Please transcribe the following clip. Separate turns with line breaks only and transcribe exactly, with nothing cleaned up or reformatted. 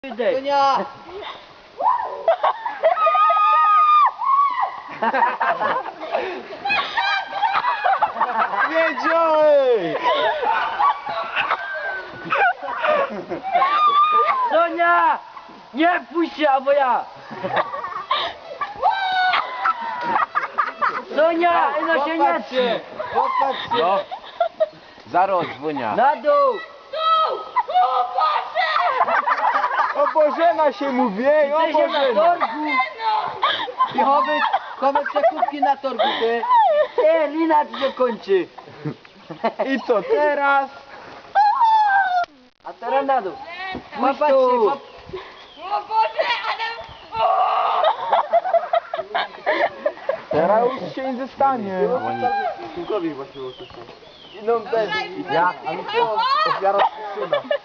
Sonia!
Wiedziałem!
Sonia! Nie puść się, albo ja! Sonia! No się nie trzyma!
Popatrz się! No. Zaraz dzwonia.
Na dół!
O Bożena się mówi, ej, o
Ty się na
Bożena!
torgu! I chowy, chowy przekupki na torgu, ty! Nie, lina ci się kończy!
I co teraz?
A teraz na dół!
Popatrz
Puść
się,
tu!
pop...
O Boże, ale...
Teraz już się nie zostanie.
No, bez...
Ja,
Ofiara syna.